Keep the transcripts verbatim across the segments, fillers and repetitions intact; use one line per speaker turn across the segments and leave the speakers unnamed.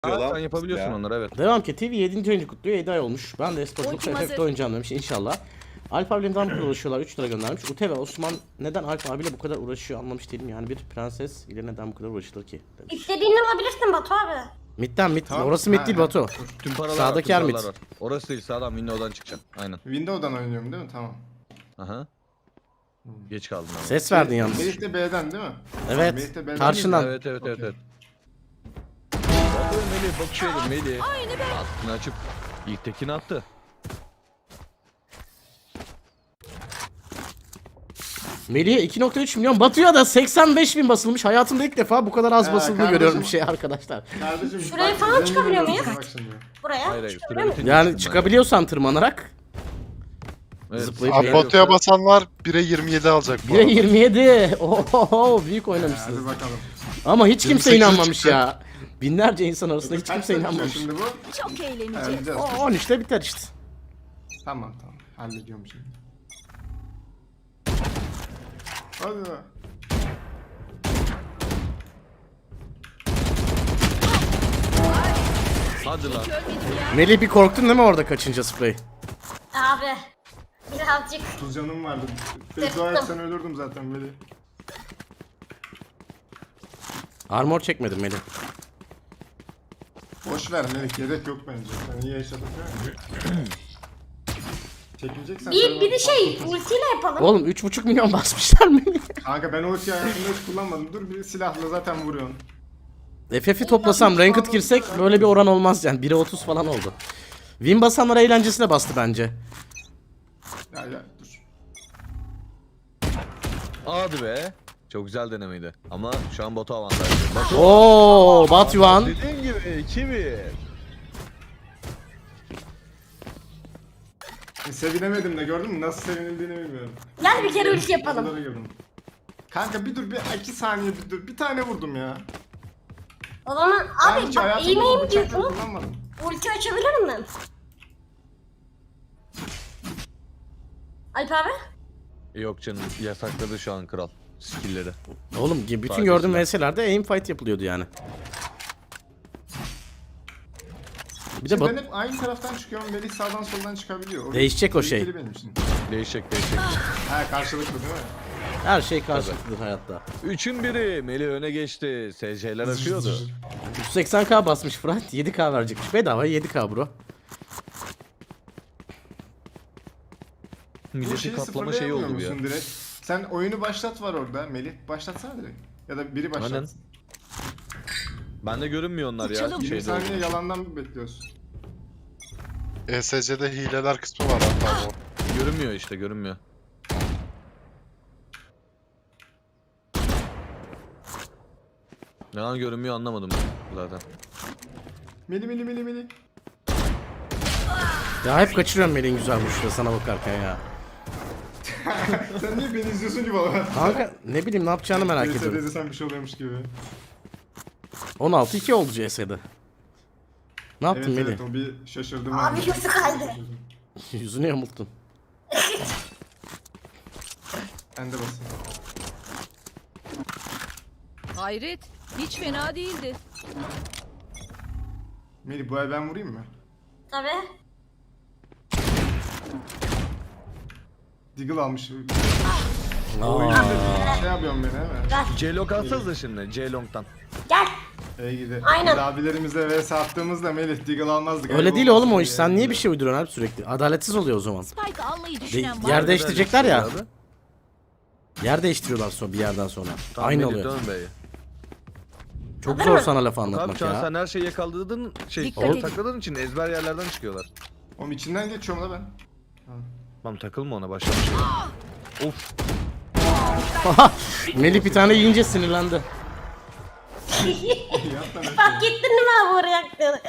Sen yapabiliyorsun ya. Onları, evet.
Devam ki T V yedinci ayını kutluyor. yedi ay olmuş. Ben de esporculuk efekte oynayacağım demiş inşallah. Alp abiyle neden bu kadar uğraşıyorlar? üç lira göndermiş. Ute ve Osman neden Alp abiyle bu kadar uğraşıyor anlamış değilim. Yani bir prenses ile neden bu kadar uğraşılır ki? Demiş.
İstediğini alabilirsin Batu abi.
Mid'den mid.
Tamam.
Orası mid
Ha,
değil
ha.
Batu.
Tüm paralar
Sağdaki
var,
yer
tüm
mid.
paralar var. Orası değil, sağdan Windows'dan çıkacaksın. Aynen.
Windows'dan oynuyorum değil mi? Tamam.
Aha. Geç kaldın ama.
Ses verdin yalnız.
Melih de B'den değil mi?
Evet.
Melih de B'den
Karşından.
Evet evet evet
Okey.
evet. Bakın Melih bakışıyordum Melih. Aklını açıp ilk tekini attı.
Melih'e iki nokta üç milyon, Batu'ya da seksen beş bin basılmış. Hayatımda ilk defa bu kadar az
Ha,
basıldığını
kardeşim.
görüyorum bir şey arkadaşlar.
Kardeşim,
Şuraya
bak,
falan
zengin
çıkabiliyor
oluyorsun
muyuz?
bak şimdi.
Buraya.
Hayır hayır.
Çıkabiliyor muyum?
süre bitince
Yani
çıktım ben.
çıkabiliyorsan tırmanarak.
Evet.
Zıplayıp
Şey
Abi,
yok.
Batu'ya basanlar bire yirmi yedi alacak bu
bire
arada.
yirmi yedi. Oho büyük
Hadi
oynamışsınız.
bakalım.
Ama hiç kimse
yirmi sekize
inanmamış
çıktı.
ya. Binlerce insan arasında hiç
Kaç
kimse
dakika
inanmamış.
Şimdi bu?
Çok eğleneceğiz.
Halledeceğiz.
O on üçte biter işte.
Tamam tamam. Hallediyorum şimdi. Hadi be.
Hadi lan.
Melih bir korktun değil mi orada kaçınca sprey?
Abi. Birazcık.
otuz canım vardı.
Tıktım.
Beddua etsen ölürdüm zaten Melih.
Armor çekmedim Melih.
Boş ver Melih, gerek yok bence. Sen iyi yaşadın değil mi? Çekileceksen
Bir,
söyle.
bir de şey ultiyle yapalım.
Oğlum üç buçuk milyon basmışlar Melih.
Kanka ben ulti hayatımda hiç kullanmadım. Dur bir silahla zaten vuruyorsun.
F F'i toplasam ranked girsek böyle bir oran olmaz yani. bire otuz falan oldu. Win basanlar eğlencesine bastı bence.
Ya ya dur.
Hadi be. Çok güzel denemeydi. Ama şu an Batu avantajlı. Batu.
Oo, Batuhan.
Dediğim gibi iki bir.
E, sevinemedim de gördün mü? Nasıl sevinildiğini bilmiyorum.
Gel bir kere ulti yapalım.
Oralara girdim. Kanka bir dur bir iki saniye bir dur. Bir tane vurdum ya.
O zaman
Ben
abi
hiç
bak
hayatımda
eğmeyim
bu bıçakları
diyorsun.
kullanmadım.
Ulti açabilirim ben. Alp abi.
Yok canım, yasakladı şu an kral skill'leri.
Oğlum bütün
Sadece
gördüğüm
silah.
V S'lerde aim fight yapılıyordu yani. Bir de
Şimdi
Bat-
ben hep aynı taraftan çıkıyorum. Melih sağdan soldan çıkabiliyor. O
Değişecek o şey.
tehlikeli benim için.
Değişecek değişecek.
Ha karşılıklı değil mi?
her şey karşılıklıdır hayatta.
Üçün biri. Melih öne geçti. S C'ler akıyordu.
yüz seksen K basmış Fırat. yedi K verecekmiş. Bedava yedi K bro.
Bu
Milletin
şeyi
katlama şeyi oldu bu ya.
sıfırlayamıyor musun direkt? Sen oyunu başlat var orada Melih. Başlatsana direkt. Ya da biri başlatsın.
Aynen. Bende görünmüyor onlar ya.
Uçalım.
yirmi
Şeyde
saniye
oldu.
yalandan mı bekliyorsun?
E S C'de hileler kısmı var hatta bu.
Görünmüyor işte, görünmüyor. Neden görünmüyor anlamadım ben zaten.
Meli meli meli meli.
Ya hep kaçırıyorum Melih'in güzel vuruşları sana bakarken ya.
Sen niye beni izliyorsun ki baba?
Kanka ne bileyim ne yapacağını merak
Neyse
ediyorum.
dedi sen bir şey oluyormuş gibi.
on altı iki oldu C S'de. Ne
Evet
yaptın Melih?
evet o bir şaşırdım.
Abi
ben.
yüzü kaydı.
Yüzünü yamulttun.
Ben de basayım.
Hayret. Hiç fena değildi.
Melih bu ay ben vurayım mı?
Tabii.
Deagle almış.
Aa.
Oyunda bir şey yapıyorum beni hemen.
C-Long atsanıza şimdi. C-Long'dan.
Gel.
İyi gidi.
Aynen.
Biz abilerimizle vs attığımızda Melih Deagle almazdık.
Öyle
Ayıp
değil oğlum o
olmasın
iş.
diye.
Sen niye bir şey uyduruyorsun abi sürekli? Adaletsiz oluyor o zaman.
Spike almayı
De-
düşünen var
yer
mı?
değiştirecekler ya.
Abi.
Yer değiştiriyorlar sonra bir yerden sonra.
Tamam,
Aynı
Melih,
oluyor.
dön be.
Çok zor sana laf
Tabii
anlatmak
şu an
ya.
sen her şeyi yakaladığın şey,
Dikkat
o
edin.
takıldığın için ezber yerlerden çıkıyorlar.
Oğlum içinden geçiyorum da ben.
Tamam takılma ona, başlamış. Of.
Melih bir tane yiyince sinirlendi.
Yap lan.
Fark ettin değil mi abi oraya yaktığını?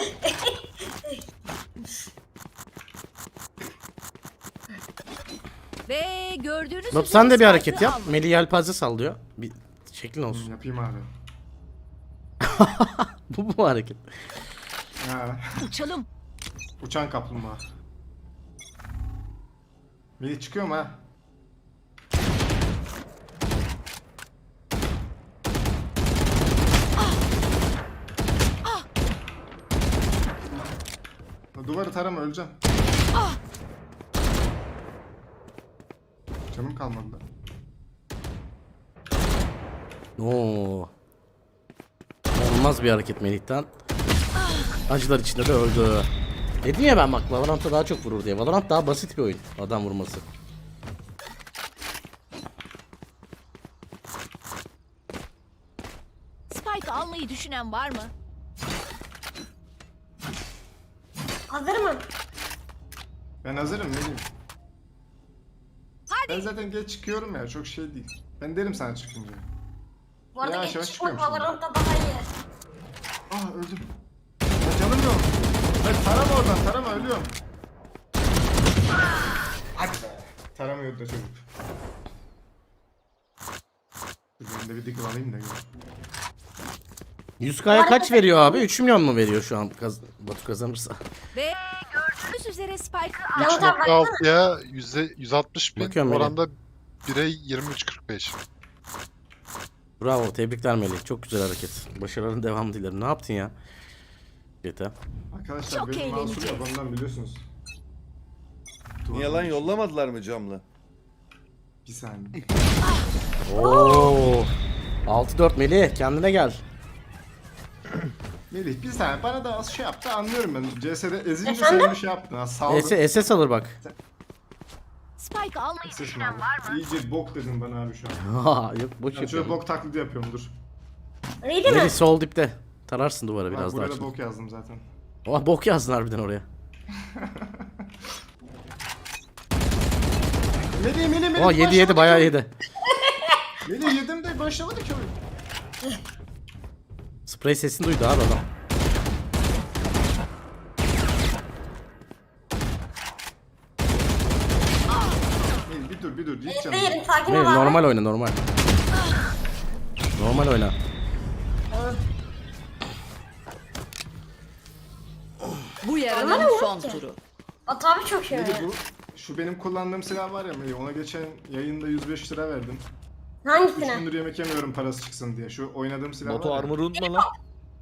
Ve gördüğünüz
Bak
üzere
sen de bir
Spike'ı
hareket yap.
alın.
Melih yelpaze sallıyor. Bir şeklin olsun.
Yapayım abi.
Bu bu hareket.
Ha.
Uçalım.
Uçan kaplumbağa. Melih çıkıyor mu ha? Duvarı tarama öleceğim. Canım kalmadı da.
Oo. Olmaz bir hareket Melih'ten. Acılar içinde de öldü. Dedim ya ben bak Valorant'ta daha çok vurur diye. Valorant daha basit bir oyun. Adam vurması.
Spike almayı düşünen var mı?
Hazır mı?
Ben hazırım Melih.
Hadi.
Ben zaten geç çıkıyorum ya çok şey değil. Ben derim sana çıkınca.
Bu arada
Yavaş yavaş
geç çıkmak
çıkıyorum şimdi.
Valorant'ta daha iyi.
Ah öldüm. Ya canım yok. Ben tarama oradan tarama ölüyorum. Hadi be. Taramıyordu da çocuk. Dur ben de bir dikkat alayım da.
yüz kaya kaç veriyor abi? üç milyon mu veriyor şu an kaz Batu kazanırsa?
Ve gördüğünüz üzere Spike'ı
Ya
al.
o da-
üç nokta altıya yüz altmış bin
Bakıyorum Melih.
oranda bire yirmi üç kırk beş.
Bravo, tebrikler Melih. Çok güzel hareket. Başarıların devamı dilerim. Ne yaptın ya? Yeter.
Arkadaşlar
Çok
benim masum
eğleneceğiz.
yok ondan biliyorsunuz.
Niye lan yollamadılar mı camla?
Bir saniye.
Oo. altı dört Melih, kendine gel.
Melih bir saniye bana da az şey yaptı anlıyorum ben. C S'de ezince
Efendim?
sen bir şey yaptın ha saldın.
S S alır bak.
Spike almayı
Sesim
düşünen
abi.
var mı?
İyice bok dedin bana abi şu an.
Ha, yok boş
Ben şöyle
yapıyorum.
bok taklidi yapıyorum dur.
Ready mi?
Melih sol dipte. Tararsın duvara
Bak
biraz daha.
buraya da
açın.
bok yazdım zaten.
Oh, bok yazdın harbiden oraya.
Melih Melih Melih.
Oh, yedi yedi bayağı yedi.
Melih yedim de başlamadı ki oyun.
Sprey sesini duydu abi adam.
Melih bir dur bir dur hiç canım.
Değilim sakin ol
Melih
abi.
normal oyna normal. Normal oyna.
Bu
Aman
yarının
Allah'ım
son
ki.
turu.
Batu abi çok iyi
Melih
oynuyor.
bu şu benim kullandığım silah var ya Melih ona geçen yayında yüz beş lira verdim. üç
Hangisine?
gündür yemek yemiyorum parası çıksın diye. Şu oynadığım silah
Batu
var ya.
armor'u unutma lan.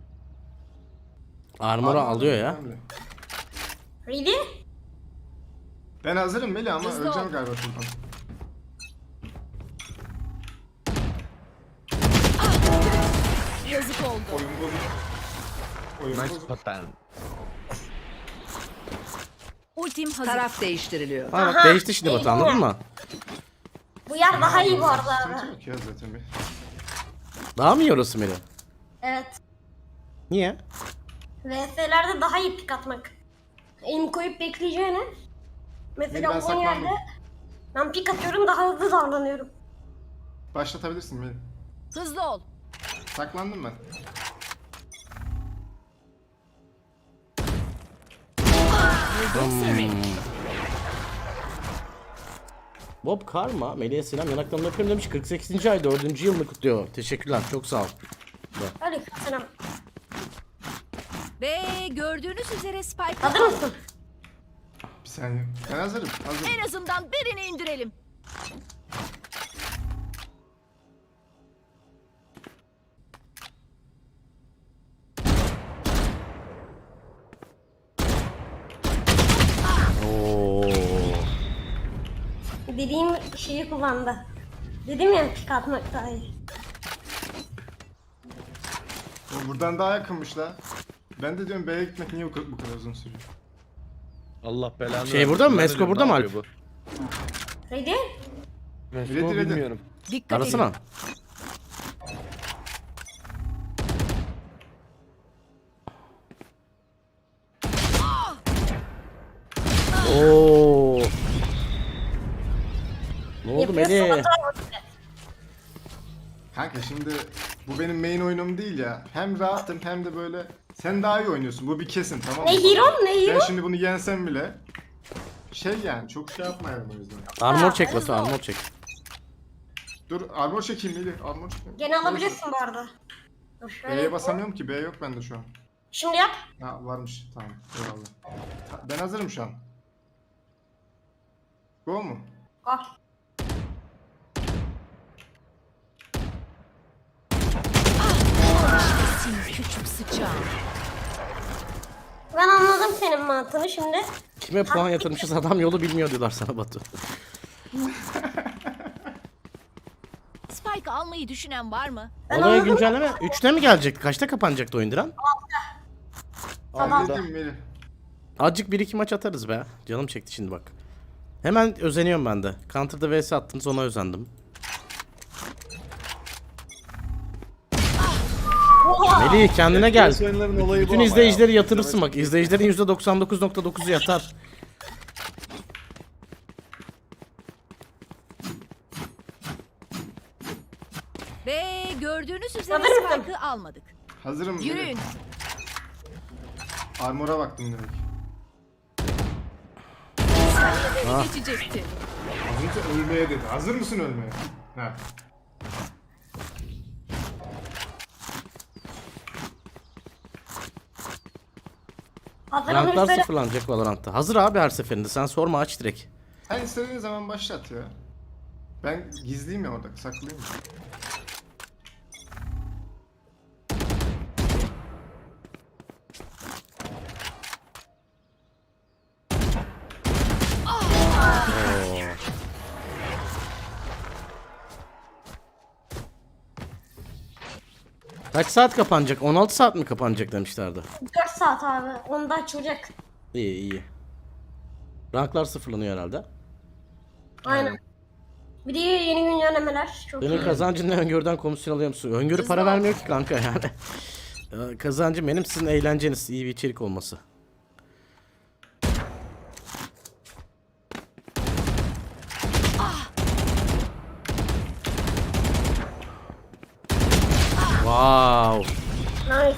Armor'u
Armor
alıyor ya.
önemli.
Ready?
Ben hazırım Melih ama
Hızlı
öleceğim
ol.
galiba şuradan.
Yazık oldu.
Oyun bozuk. Oyun
Nice
bozuk.
pattern.
Ultim hazır.
Taraf değiştiriliyor.
Ha bak değişti şimdi Batu, anladın mı?
Bu yer daha iyi bu arada
Sıkıntı
abi.
yok ya zaten bir.
Daha mı iyi orası Melih?
Evet.
Niye?
V S'lerde daha iyi pik atmak. Elim koyup bekleyeceğine.
Ben
Mesela bu
saklandım.
yerde ben pik atıyorum daha hızlı davranıyorum.
Başlatabilirsin Melih.
Hızlı ol.
Saklandım ben.
Bob Karma, Melih'e selam, yanaklarını öpüyorum demiş. kırk sekizinci ay dördüncü yılını kutluyor. Teşekkürler, çok sağ ol.
Hadi selam.
Ve gördüğünüz üzere Spike'ı
Hazır
al.
mısın?
Bir saniye. Ben hazırım. Hazırım.
En azından birini indirelim.
Oo.
Dediğim şeyi kullandı. Dedim ya pik atmak daha iyi.
O buradan daha yakınmış la. Ben de diyorum B'ye gitmek niye bu kadar, bu kadar uzun sürüyor?
Allah belanı
Şey
versin.
burada mı?
Ben de
Mesko
diyorum,
burada
ne
mı
yapıyor
Ready?
bu? Mesko
Ready, ready.
bilmiyorum.
Dikkat edin.
Arasana. Oo. Ne oldu
Yapıyorsun,
Melih?
hata var.
Kanka şimdi bu benim main oyunum değil ya. Hem rahatım hem de böyle sen daha iyi oynuyorsun. Bu bir kesin tamam mı?
Ne hero ne
Ben
hero?
şimdi bunu yensem bile şey yani çok şey yapmayalım o yüzden.
Armor çek Batu, armor çek.
Dur armor çekeyim Melih. Armor çekeyim.
Gene alabilirsin bu arada. Dur şöyle.
B'ye basamıyorum ki. B yok bende şu an.
Şimdi yap.
Ha varmış. Tamam. Eyvallah. Ta- Ben hazırım şu an. Go mu?
Al.
Küçük sıçan.
Ben anladım anladım senin mantığını şimdi.
Kime puan yatırmışız adam yolu bilmiyor diyorlar sana Batu.
Spike almayı düşünen var mı?
Olaya güncelleme üçte mi gelecekti? Kaçta kapanacaktı oyun Diren?
Tamam.
Dedim Melih.
Azıcık bir iki maç atarız be. Canım çekti şimdi bak. Hemen özeniyorum ben de. Counter'da V S attınız ona özendim. Melih kendine gel.
Piyasa oyunlarının olayı bu
Bütün
ama
izleyicileri
ya.
yatırırsın bak. İzleyicilerin yüzde doksan dokuz nokta dokuzu yatar.
Ve gördüğünüz üzere
Hazır mısın?
Spike'ı almadık.
Hazırım Melih.
Yürüyün.
Armor'a baktım demek.
Beni geçecekti.
Az önce ölmeye dedi. Hazır mısın ölmeye? Ha.
Hazır
Ranklar
olursa
sıfırlanacak Valorant'ta. Hazır abi her seferinde. Sen sorma aç direkt.
Sen istediğin zaman başlat ya. Ben gizliyim ya orada, saklıyım.
Kaç saat kapanacak? on altı saat mi kapanacak demişlerdi.
dört saat abi. Onda açılacak.
İyi iyi. Ranklar sıfırlanıyor herhalde.
Aynen. Bir de yeni güncellemeler. Çok
Senin
iyi.
kazancın ne, öngörüden komisyon alıyor musun? Öngörü para vermiyor ki kanka yani. Ya, kazancım benim, sizin eğlenceniz, iyi bir içerik olması. Wow.
Nice.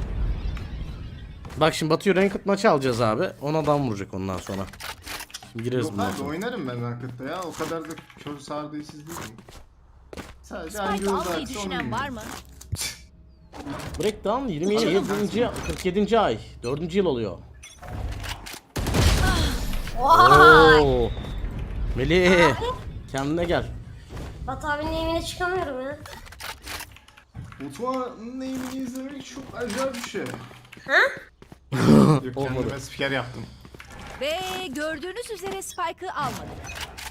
Bak şimdi Batu'yu Ranked maçı alacağız abi. on adam vuracak ondan sonra. Şimdi gireriz
Yok
bundan
abi
sonra.
oynarım ben Ranked'da ya. O kadar da kör sardıyısız değilim. Sadece hangi
Spike
yolda
almayı
aksa onu
düşünen var
bilmiyorum.
mı?
Breakdown yirmi yedinci kırk yedinci ay. dördüncü yıl oluyor.
Vay.
Oo. Melih. Kendine gel.
Batu abinin evine çıkamıyorum ya.
Mutfağın neyini izlemek çok acayip bir şey.
Ha?
Yok kendime spiker yaptım.
Ve gördüğünüz üzere Spike'ı almadık.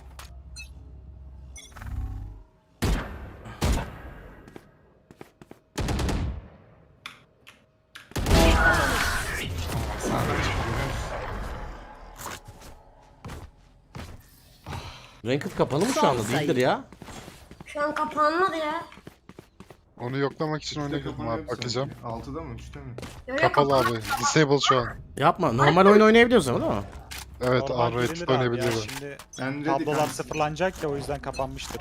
Ranked kapalı mı şu anda? Değildir ya.
Şu an kapanmadı ya.
Onu yoklamak için oyuna girdim
Kapanıyor
abi
musun?
bakacağım.
altıda mı üçte mi?
Yo, yo,
Kapalı
kapan-
abi. Disable şu an.
Yapma. Normal oyun oynayabiliyoruz ama değil mi?
Evet
Normal
Unrated
girilir abi ya,
oynayabiliyor.
şimdi
Ben ready
tablolar
kanka.
sıfırlanacak ya o yüzden kapanmıştır.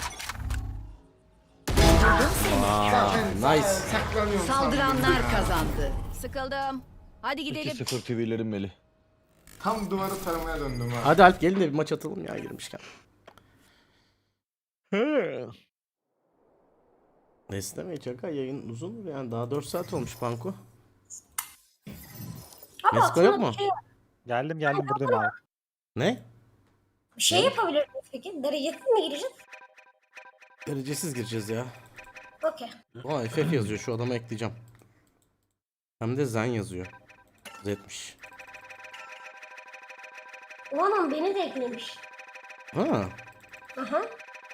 Aa, nice.
Saklanıyorum
Saldıranlar
sandım ya.
kazandı.
Sıkıldım. Hadi gidelim.
iki sıfır T V'lerim Melih.
Tam duvarı taramaya döndüm ha.
Hadi Alp gelin de bir maç atalım ya girmişken. Neyse mi? Çaka yayın uzun yani daha dört saat olmuş Panko.
Ama
Mesko
aslında
yok mu?
Bir şey,
Geldim geldim buradayım abi.
Ne?
bir şey yapabilir miyiz peki? Derecesiz mi gireceğiz?
Derecesiz gireceğiz ya.
Okey.
Aa F F yazıyor, şu adama ekleyeceğim. Hem de Zen yazıyor. Z'miş.
O adam beni de eklemiş.
Ha.
Aha.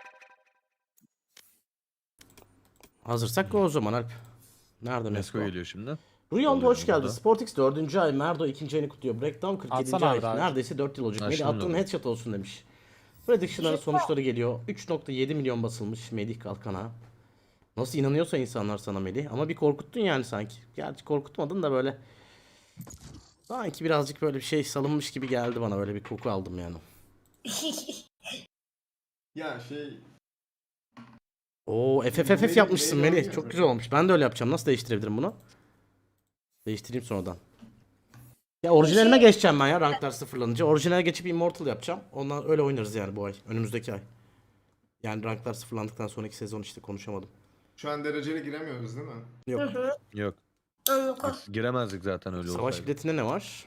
Hazırsak o zaman Alp. Nerede
Mesko
Mesko?
geliyor şimdi.
Ruyon'da hoş
Oluyor
geldin.
burada.
Sportix dördüncü ay, Merdo ikinci ayını kutluyor. Breakdown kırk yedinci
Atsana
ay.
abi abi.
Neredeyse dört yıl olacak.
Ha,
Melih
şimdi
attığın
oldu.
headshot olsun demiş. Prediction'ların sonuçları geliyor. üç nokta yedi milyon basılmış Melih Kalkan'a. Nasıl inanıyorsa insanlar sana Melih. Ama bir korkuttun yani sanki. Gerçi korkutmadın da böyle. Sanki birazcık böyle bir şey salınmış gibi geldi bana. Böyle bir koku aldım yani.
Ya şey...
Oo F F F F yapmışsın Melih. Çok güzel olmuş. Ben de öyle yapacağım. Nasıl değiştirebilirim bunu? Değiştireyim sonradan. Ya orijinaline geçeceğim ben ya ranklar sıfırlanınca. Orijinale geçip Immortal yapacağım. Ondan öyle oynarız yani bu ay. Önümüzdeki ay. Yani ranklar sıfırlandıktan sonraki sezon işte konuşamadım.
Şu an dereceli giremiyoruz değil mi?
Yok.
Yok.
Anladım.
Giremezdik zaten öyle
Savaş
olsaydı.
biletinde ne var?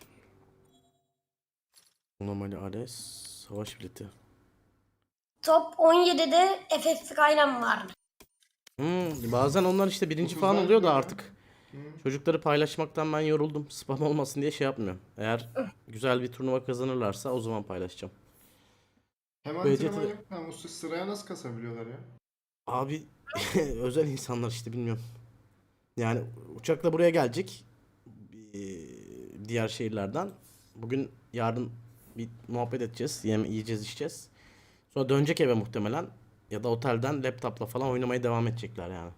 Normali Ares. Savaş bileti.
Top on yedide F F Skyline vardı.
Hmm, bazen onlar işte birinci
Dokuz
falan
var
oluyor da
mı?
artık. Çocukları paylaşmaktan ben yoruldum. Spam olmasın diye şey yapmıyorum. Eğer güzel bir turnuva kazanırlarsa o zaman paylaşacağım.
Hem
Böylece
antrenman
de-
yok hem usta sıraya nasıl kasabiliyorlar ya?
Abi özel insanlar işte bilmiyorum. Yani uçakla buraya gelecek. Ee, diğer şehirlerden. Bugün yarın bir muhabbet edeceğiz. Yeme yiyeceğiz, içeceğiz. Sonra dönecek eve muhtemelen. Ya da otelden laptopla falan oynamaya devam edecekler yani.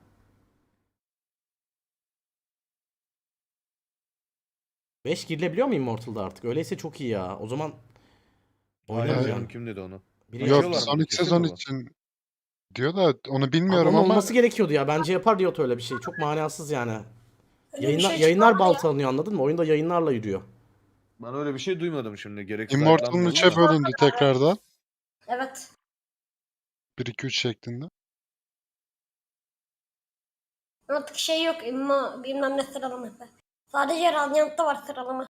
beş girilebiliyor mu Immortal'da artık? Öyleyse çok iyi ya. O zaman
Hayır
oynarız
canım
yani.
kim dedi onu?
Biri
Yok
Açıyorlar mı?
sonraki
Kesin
sezon
mi bu?
için diyor da onu
Abi
bilmiyorum
onun
ama
olması gerekiyordu ya. Bence yapar Riot öyle bir şey. Çok manasız yani.
Öyle bir
Yayınlar,
şey
yayınlar
çıkmadı ya.
baltalanıyor anladın mı? Oyunda yayınlarla yürüyor.
Ben öyle bir şey duymadım şimdi. Gerek
Immortal'ın
sayıklanmayalım
üçe
da.
bölündü tekrardan.
Evet.
bir iki üç şeklinde.
Artık şey yok. imma bilmem ne sıralaması. Sadece Radiant'ta var sıralama.